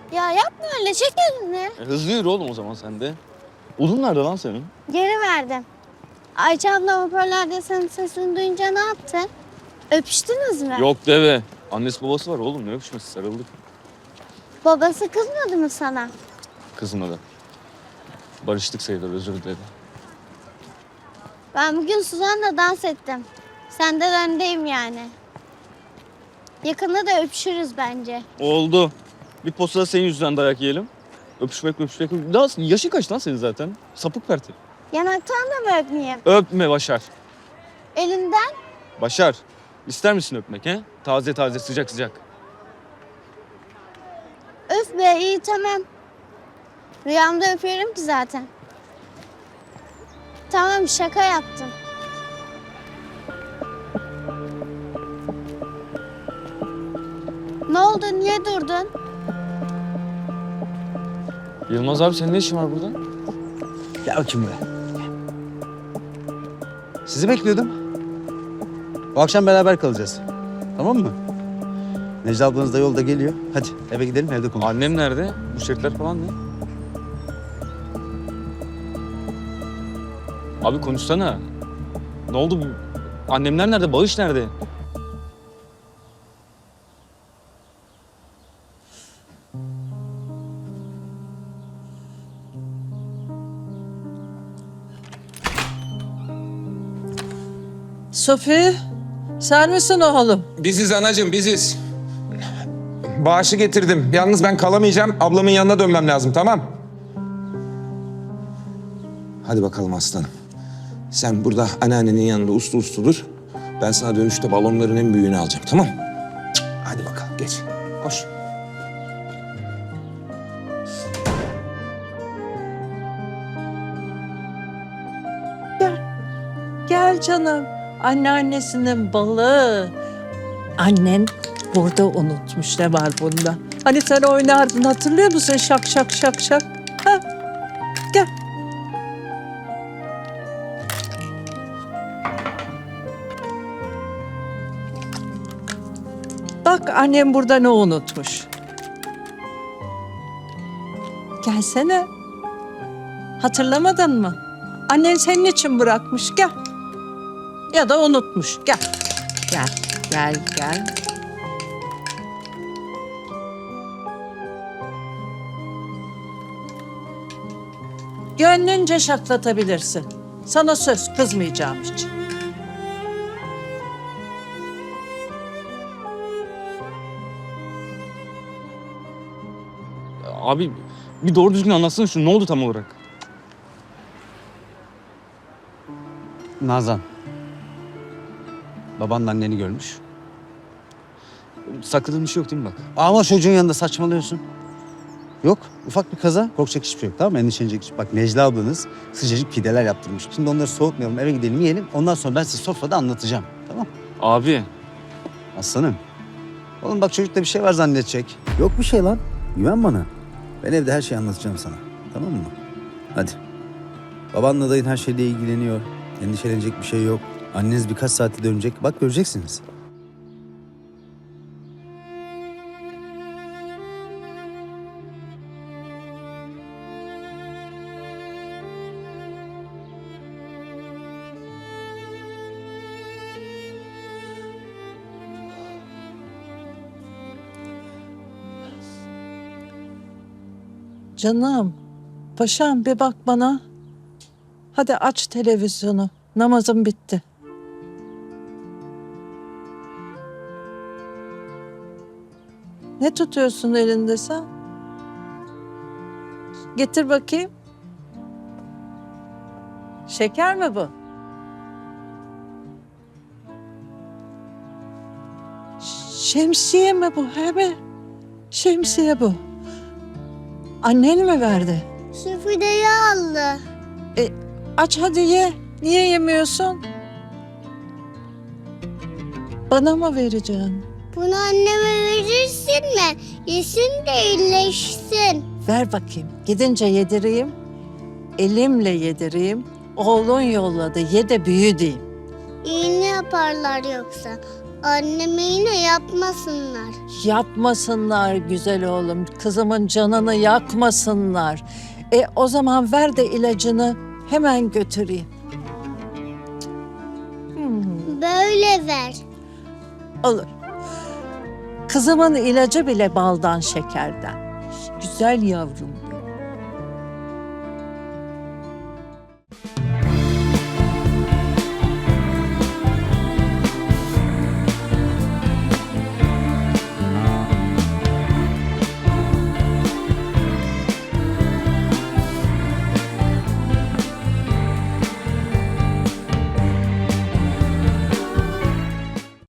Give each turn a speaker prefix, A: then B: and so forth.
A: Ya yapma öyle, çek elini.
B: Hızlı yürü oğlum o zaman sen de. Odun nerede lan senin?
A: Geri verdim. Ayça abla hoparlörde senin sesini duyunca ne yaptı? Öpüştünüz mü?
B: Yok deve. Annesi babası var oğlum, ne öpüşmesi, sarıldık.
A: Babası kızmadı mı sana?
B: Kızmadı. Barıştık sayılır, özür diledi.
A: Ben bugün Suzan'la dans ettim. Senden öndeyim yani. Yakında da öpüşürüz bence.
B: Oldu. Bir postada senin yüzünden dayak yiyelim. Öpüşmek. Daha yaşın kaç lan senin zaten? Sapık perti.
A: Yanaktan da mı öpmeyeyim?
B: Öpme Başar.
A: Elinden?
B: Başar. İster misin öpmek he? Taze taze, sıcak sıcak.
A: Öf be, iyi tamam. Rüyamda öpüyorum ki zaten. Tamam, şaka yaptım. Ne oldu, niye durdun?
B: Yılmaz abi, senin ne işin var burada?
C: Gel bakayım buraya. Sizi bekliyordum. Bu akşam beraber kalacağız. Tamam mı? Necla ablanız da yolda geliyor. Hadi eve gidelim, evde konuşalım.
B: Annem nerede? Bu şirketler falan ne? Abi konuşsana. Ne oldu? Annemler nerede? Bağış nerede?
D: Sofi, sen misin oğlum?
E: Biziz anacığım, biziz. Bağışı getirdim. Yalnız ben kalamayacağım. Ablamın yanına dönmem lazım, tamam? Hadi bakalım aslanım. Sen burada anneannenin yanında uslu uslu dur. Ben sana dönüşte balonların en büyüğünü alacağım, tamam? Hadi bakalım, geç. Koş.
D: Gel canım. Anneannesinin balı. Annen burada unutmuş, ne var bunda? Hani sen oynardın, hatırlıyor musun? Şak şak şak şak. Ha? Gel. Bak annem burada ne unutmuş. Gelsene. Hatırlamadın mı? Annen senin için bırakmış, gel. Ya da unutmuş, gel. Gel. Gönlünce şaklatabilirsin. Sana söz, kızmayacağım hiç.
B: Abi bir doğru düzgün anlatsana şunu. Ne oldu tam olarak?
C: Nazan. Babanla anneni görmüş.
B: Sakladığın bir şey yok değil mi bak?
C: Ama çocuğun yanında saçmalıyorsun. Yok, ufak bir kaza. Korkacak hiçbir şey yok, tamam mı? Endişelenecek hiçbir şey. Bak Necla ablanız sıcacık pideler yaptırmış. Şimdi onları soğutmayalım, eve gidelim yiyelim. Ondan sonra ben size sofrada anlatacağım. Tamam mı?
B: Abi.
C: Aslanım. Oğlum bak çocukta bir şey var zannedecek. Yok bir şey lan. Güven bana. Ben evde her şeyi anlatacağım sana. Tamam mı? Hadi. Babanla dayın her şeyle ilgileniyor. Endişelenecek bir şey yok. Anneniz birkaç saate dönecek. Bak göreceksiniz.
D: Canım, paşam bir bak bana. Hadi aç televizyonu. Namazım bitti. Ne tutuyorsun elinde sen? Getir bakayım. Şeker mi bu? Şemsiye mi bu? He mi? Şemsiye bu. Annen mi verdi?
A: Süpürgeyi aldı.
D: Aç hadi ye. Niye yemiyorsun? Bana mı vereceksin?
A: Bunu anneme verirsin mi? Yesin de iyileşsin.
D: Ver bakayım. Gidince yedireyim. Elimle yedireyim. Oğlun yolladı. Ye de büyü diyeyim.
A: İğne yaparlar yoksa. Anneme yine yapmasınlar.
D: Yapmasınlar güzel oğlum. Kızımın canını yakmasınlar. O zaman ver de ilacını hemen götüreyim.
A: Böyle ver.
D: Olur. Kızımın ilacı bile baldan şekerden. Güzel yavrum.